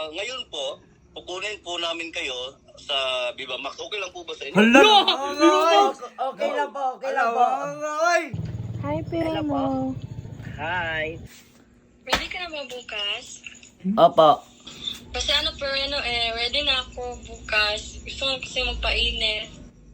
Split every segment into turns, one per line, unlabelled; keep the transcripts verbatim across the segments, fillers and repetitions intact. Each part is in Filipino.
ngayon po, kukunin po namin kayo sa Viva Max. Okay lang po ba sa inyo?
Hala!
Okay lang po, okay lang po.
Hi, Piremo.
Hi.
Ready ka na ba bukas?
Opo.
Kasi ano, Pireno, eh, ready na ako bukas. Gusto ko kasi magpainit.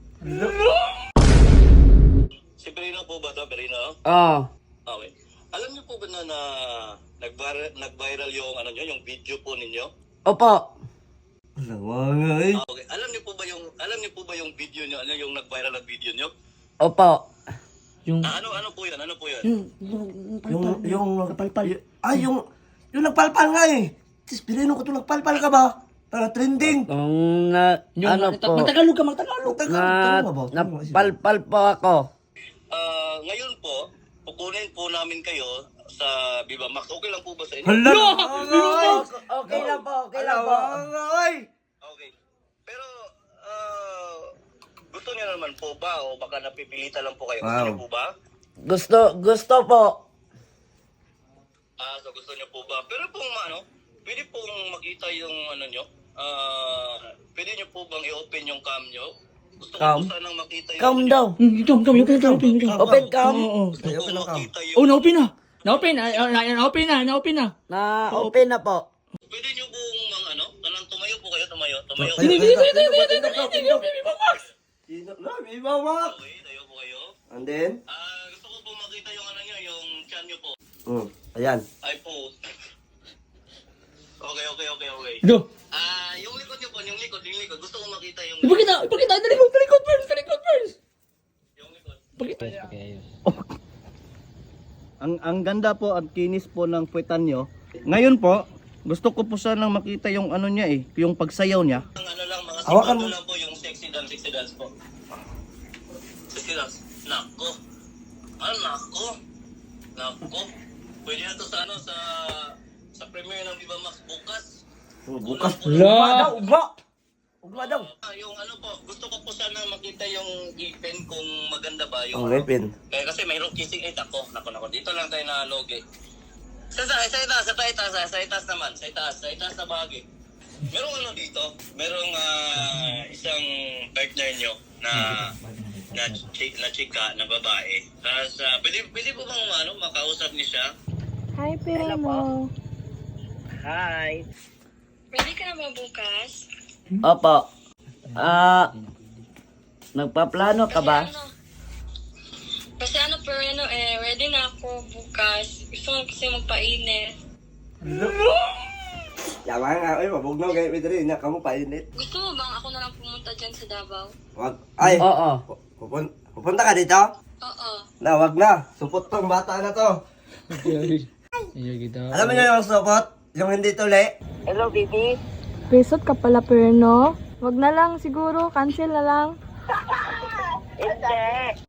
Si Perino po ba ito, Perino?
Oh.
Okay. Alam niyo po ba na, na nag-viral, nag-viral yung, ano niyo, yung video po ninyo?
Opo.
Lawangay.
Ah, okay. Alam niyo po ba yung, alam niyo po ba yung video niyo, ano yung nag-viral na video niyo?
Opo.
Yung,
Ah, ano, ano po yun? Ano po yun?
yung, yung nagpalpal. Ay, yung, yung nagpalpal nga eh. Sis, Pireno ko ito nagpalpal ka ba? Para trending.
Kung na, ano po,
Magtagalog ka, magtagalog.
na, napalpal po ako.
Ah, ngayon po, kukunin po namin kayo sa Viva Max. Okay lang po ba sa inyo?
Hala!
Okay lang po, okay lang po.
Okay. Pero, ah, gusto niyo naman po ba o baka napipilitan lang po kayo? Gusto
Wow.
niyo po ba?
Gusto, gusto po.
Ah, so gusto niyo po ba? Pero pong ano, pwede pong makita yung ano niyo. Ah, pwede niyo po bang i-open yung cam niyo? Gusto ko
Cam?
po sanang makita yung
Cam
ano
daw.
Ito, ito, open ito, open ito.
Open cam.
Gusto ko makita yung
Oh, na-open na. Na-open, na, na- na-open na, na-open na.
Na open na po.
Pwede niyo pong mga ano, kanang tumayo po kayo, tumayo, tumayo.
Hindi,
Hindi, hindi, hindi, hindi, hindi, hindi, hindi, hindi, Viva Max.
Viva Max.
Okay, tayo po kayo.
And then?
Ah, gusto ko po makita yung ano niyo, yung chan niyo po.
Hmm. Ayan.
Ay po. Okay, okay, okay, okay.
Go.
Ah, yung likod niyo po, yung likod, yung likod. Gusto ko makita yung
Ipakita, ipakita, talikod, talikod first, talikod first.
yung likod.
Ipakita.
Ang ang ganda po at kinis po ng puwetan nyo. Ngayon po, gusto ko po sanang makita yung ano niya eh, yung pagsayaw niya.
Ang ano lang, mga
Hawakan
segundo
mo.
lang po yung sexy dance, sexy dance po. Sexy dance. Nako. Ah, nako. Nako. Pwede na to sa ano, sa sa premiere ng Viva Max bukas.
Oh, bukas.
La.
Ugma. Ugma daw.
Ah, yung ano po, gusto ko po sana makita yung ipin kung maganda ba yung
Ang
ano.
ngipin.
Kaya kasi mayroong kissing eight ako. Nako, nako. Dito lang tayo na logi. Sa sa sa itaas, sa itaas, sa, sa itaas naman, sa itaas, sa itaas na bahagi. Merong ano dito, merong ah, isang partner nyo na na, chi, na chika, na babae. Tapos, ah, pwede, pwede po bang ano, makausap niyo siya?
Hi, Piremo.
Hi.
Ready ka na ba bukas?
Opo. Ah, nagpaplano ka ba?
Kasi ano, kasi ano, Pireno, eh, ready na ako bukas. Gusto ko kasi magpainit.
Yawa nga, ay, mabugnaw kayo, Pedro, na kamo painit.
Gusto mo bang ako na lang pumunta dyan sa Davao?
Wag, ay,
Oo.
pupun, pupunta ka dito?
Oo.
Na, wag na. Supot tong bata na to.
Iya kita.
Alam mo nyo yung supot? Yung hindi tuli?
Resort ka pala, Pireno. Wag na lang siguro, cancel na lang.
Hindi.